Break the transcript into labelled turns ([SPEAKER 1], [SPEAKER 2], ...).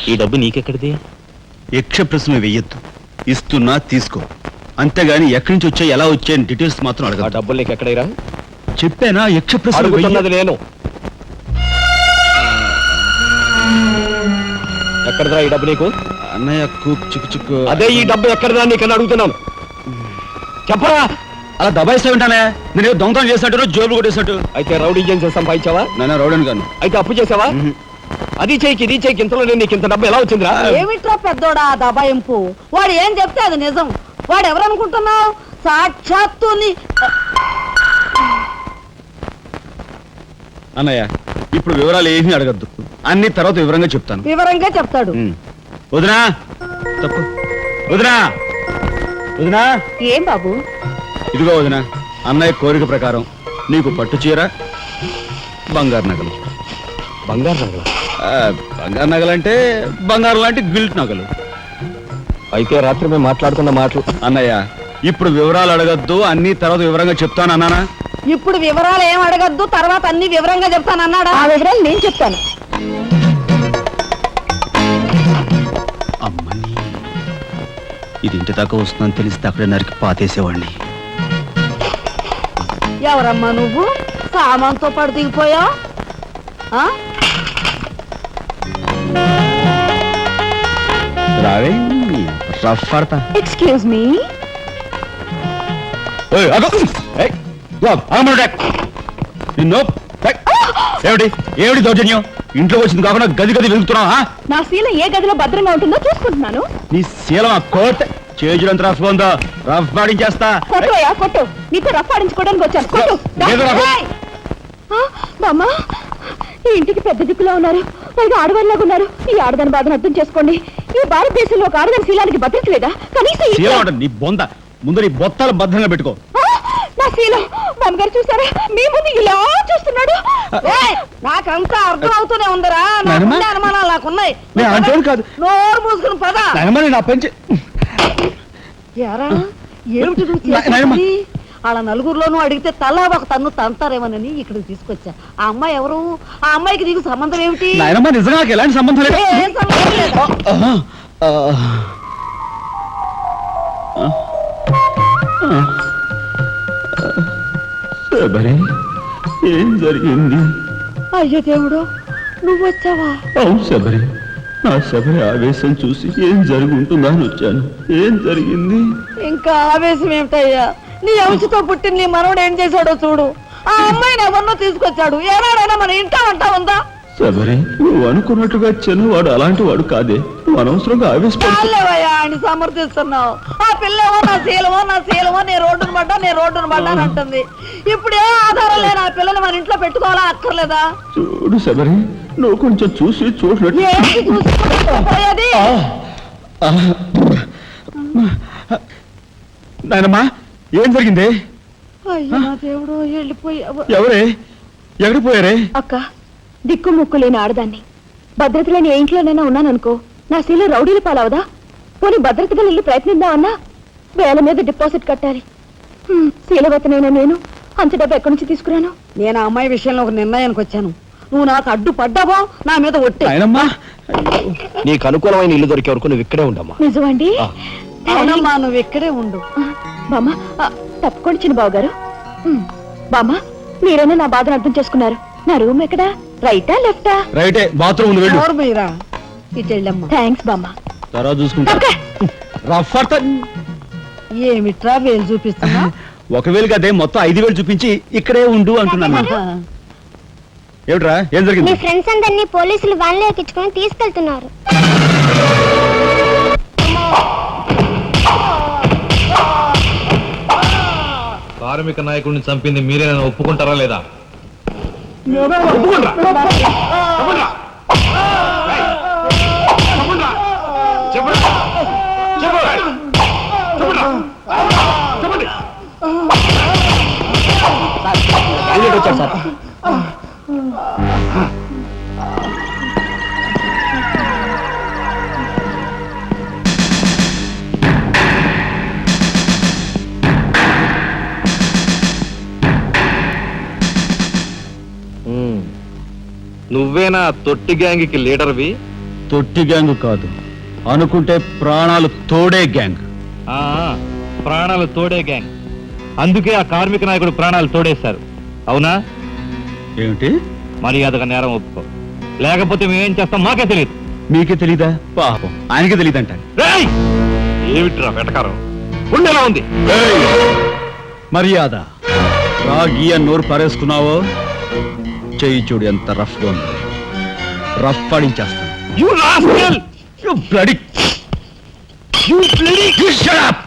[SPEAKER 1] ఈ డబ్బు నీకెక్కడిది?
[SPEAKER 2] యక్ష ప్రశ్న వెయ్యొద్దు. ఇస్తున్నా తీసుకో, అంతేగాని ఎక్కడి నుంచి వచ్చాయి ఎలా వచ్చాయని డీటెయిల్స్ మాత్రం
[SPEAKER 1] ఆ
[SPEAKER 2] అడగ.
[SPEAKER 1] డబ్బులు నీకు ఎక్కడైరా?
[SPEAKER 2] చెప్పానా యక్ష ప్రశ్న
[SPEAKER 1] అడుగుతున్నది నేను. ఎక్కడదా ఈ డబ్బు నీకు?
[SPEAKER 2] అన్నయ్య చిక్కు చిక్కు.
[SPEAKER 1] అదే ఈ డబ్బు ఎక్కడదా నీకని అడుగుతున్నాను. చెప్పరా?
[SPEAKER 2] అలా దబాయిస్తా ఉంటానే. నేను దొంగతనం చేసినట్టు జోబులు కొట్టేసినట్టు.
[SPEAKER 1] అయితే రౌడీ చేసి సంపాదించావా?
[SPEAKER 2] నాన్న రౌడన్ గాను.
[SPEAKER 1] అయితే అప్పు చేసావా? అది చేయికి ఇది చేయికి ఇంతలో నీకు ఇంత డబ్బు ఎలా వచ్చిందిరా?
[SPEAKER 3] ఏమిట్రా పెద్దోడా దబాయింపు? వాడు ఏం చెప్తే అది నిజం. వాడు ఎవరనుకుంటున్నావు? సాక్షాత్తు
[SPEAKER 2] అన్నయ్య ఇప్పుడు వివరాలు ఏమీ అడగద్దు, అన్ని తర్వాత వివరంగా చెప్తాను.
[SPEAKER 3] వివరంగా చెప్తాడు.
[SPEAKER 2] వదినా తప్పు. వదినా వదినా.
[SPEAKER 3] ఏం బాబు?
[SPEAKER 2] ఇదిగో వదినా, అన్నయ్య కోరిక ప్రకారం నీకు పట్టు చీర, బంగారు నగలు.
[SPEAKER 1] బంగారు నగలు?
[SPEAKER 2] బంగారు నగలంటే బంగారు లాంటి గిల్ట్ నగలు.
[SPEAKER 1] అయితే రాత్రి మేము మాట్లాడుకున్న మాటలు.
[SPEAKER 2] అన్నయ్య ఇప్పుడు వివరాలు అడగద్దు, అన్ని తర్వాత వివరంగా చెప్తాను అన్నానా?
[SPEAKER 3] ఇప్పుడు వివరాలు ఏం అడగద్దు, తర్వాత అన్ని వివరంగా చెప్తాను అన్నాడా? ఆ వివరాలు నేను చెప్తాను.
[SPEAKER 2] అమ్మని ఇది ఇంటి దాకా వస్తుందని తెలిస్తే అక్కడే నరికి పాతేసేవాడిని.
[SPEAKER 3] ఎవరమ్మా నువ్వు? సామాన్తో పాటు దిగిపోయా?
[SPEAKER 2] రావే రఫ్ పడతా.
[SPEAKER 3] Excuse me.
[SPEAKER 2] ఏమిటి ఏమిటి దౌర్జన్యం? ఇంట్లో వచ్చింది కాకుండా గది గది వెళ్తున్నావా?
[SPEAKER 3] నా శీల ఏ గదిలో భద్రంగా ఉంటుందో చూసుకుంటున్నాను.
[SPEAKER 2] నీ శీలం ఆ కోట్ చేజులంత రఫ్ ఉందో, రఫ్ పాడించేస్తా.
[SPEAKER 3] కొట్టుయా కొట్టు, నీతో రఫ్ ఆడించుకోవడానికి వచ్చాను. కొట్టు. బామ్మా, ఈ ఇంటికి పెద్ద దిక్కులో ఉన్నారు, పైగా ఆడవాళ్ళలాగా ఉన్నారు. ఈ ఆడదాని బాధను అర్థం చేసుకోండి. ఈ భారతదేశంలో ఒక ఆడదాని శీలానికి భద్రత లేదా? కనీసం
[SPEAKER 2] నీ బొంద ముందు నీ బొత్తాలు భద్రంగా పెట్టుకో.
[SPEAKER 3] నా శీలం బామ్మగారు చూసారా? మీ ముందు ఇలా చూస్తున్నాడు. నాకంతా అర్థం అవుతూనే ఉందరా. అనుమానాలు నాకున్నాయి. నోరు మూసుకుని పద.
[SPEAKER 2] నా పెంచి
[SPEAKER 3] ఏమిటి వాళ్ళ నలుగురిలోనూ అడిగితే తలా ఒక తన్ను తంతారేమోనని ఇక్కడికి తీసుకొచ్చా. ఆ అమ్మాయి ఎవరు? ఆ అమ్మాయికి నీకు సంబంధం ఏమిటి?
[SPEAKER 2] నిజంగా ఎలాంటి సంబంధం లేదు. ఏం జరిగింది?
[SPEAKER 3] అయ్యో దేవుడు, నువ్వు వచ్చావా?
[SPEAKER 2] అవును శబరి, నా శబరి ఆవేశం చూసి ఏం జరిగి ఉంటుందా అని వచ్చాను. ఏం జరిగింది?
[SPEAKER 3] ఇంకా ఆవేశం ఏమిటయ్యా? నీ అంశతో పుట్టిన నీ మనవడు ఏం చేశాడో చూడు. ఆ అమ్మాయిని ఎవరినో తీసుకొచ్చాడు. ఏనాడైనా మన ఇంటా అంటా ఉందా?
[SPEAKER 2] శబరి, నువ్వు అనుకున్నట్టుగా చిన్నవాడు అలాంటి వాడు కాదే. నువ్వు అనవసరంగా
[SPEAKER 3] ఆవేశపడలేవయ్యా ఆయన సమర్థిస్తున్నావు. ఆ పిల్లవో నా శీలమో నేను రోడ్డును పడ్డా అంటుంది. ఇప్పుడు ఏ ఆధారం లేని ఆ పిల్లని మన ఇంట్లో పెట్టుకోవాలా అక్కర్లేదా?
[SPEAKER 2] చూడు శబరి, నువ్వు కొంచెం చూసి చూడలేదు. నాయనమ్మా, ఏం జరిగింది?
[SPEAKER 3] అయ్యో నా దేవుడు, వెళ్ళిపోయావు.
[SPEAKER 2] ఎవరే? ఎక్కడికి పోయారే?
[SPEAKER 3] అక్క, దిక్కు ముక్కు లేని ఆడదాన్ని, భద్రత లేని ఏ ఇంట్లోనైనా ఉన్నాననుకో, నా శీల రౌడీల పాలవదా? పోనీ భద్రతగా వెళ్ళి ప్రయత్నిద్దామన్నా వేల మీద డిపాజిట్ కట్టాలి. శీలవతనైనా నేను అంత డబ్బు ఎక్కడి నుంచి తీసుకురాను? నేను ఆ అమ్మాయి విషయంలో ఒక నిర్ణయానికి వచ్చాను. నువ్వు నాకు అడ్డు పడ్డావో నా మీద ఒట్టే.
[SPEAKER 1] నీకు అనుకూలమైన ఇల్లు దొరికే వరకు నువ్వు ఇక్కడే ఉండమ్మా.
[SPEAKER 3] నిజమండి? అవునమ్మా, నువ్వు ఇక్కడే ఉండు. బామ్మ, తప్పుకోండి చిన్న బాబు గారు. బామ్మ, మీరైనా నా బాధను అర్థం చేసుకున్నారు. నా రూమ్ ఎక్కడా? రైటా లెఫ్టా?
[SPEAKER 2] రైటే, బాత్రూమ్ వెళ్ళు.
[SPEAKER 3] ఇటు వెళ్ళమ్మా. థ్యాంక్స్ బామ్మ.
[SPEAKER 2] తర్వాత చూసుకుంటా.
[SPEAKER 3] ఏమిట్రా వేలు చూపిస్తున్నా?
[SPEAKER 2] ఒకవేళ కదే మొత్తం 5,000 చూపించి ఇక్కడే ఉండు అంటున్నాను. ఏమిట్రా, ఏం జరిగింది?
[SPEAKER 4] మీ ఫ్రెండ్స్ అందరినీ పోలీసులు వ్యాన్లో ఎక్కించుకొని తీసుకెళ్తున్నారు.
[SPEAKER 5] కార్మిక నాయకుడిని చంపింది మీరే, నన్ను ఒప్పుకుంటారా లేదా?
[SPEAKER 1] నువ్వేనా తొట్టి గ్యాంగ్కి లీడర్వి?
[SPEAKER 2] తొట్టి గ్యాంగ్ కాదు, అనుకుంటే ప్రాణాలు తోడే గ్యాంగ్.
[SPEAKER 5] ఆ, ప్రాణాలు తోడే గ్యాంగ్. అందుకే ఆ కార్మిక నాయకుడు ప్రాణాలు తోడేశారు. అవునా?
[SPEAKER 2] ఏమిటి?
[SPEAKER 5] మర్యాదగా నేరం ఒప్పుకో, లేకపోతే మేమేం చేస్తాం మాకే తెలియదు.
[SPEAKER 2] మీకే తెలీదా? పాపం ఆయనకే తెలీదంట.
[SPEAKER 5] రేయ్! ఏమిట్రా వెటకారం? ఉండేలా ఉంది.
[SPEAKER 2] మర్యాద రాగి అని నోరు పారేసుకున్నావో చెయ్యి చూడు ఎంత రఫ్ గా ఉంది. రఫ్ ఆడించేస్తాను.
[SPEAKER 5] You rascal!
[SPEAKER 2] You bloody... You shut up!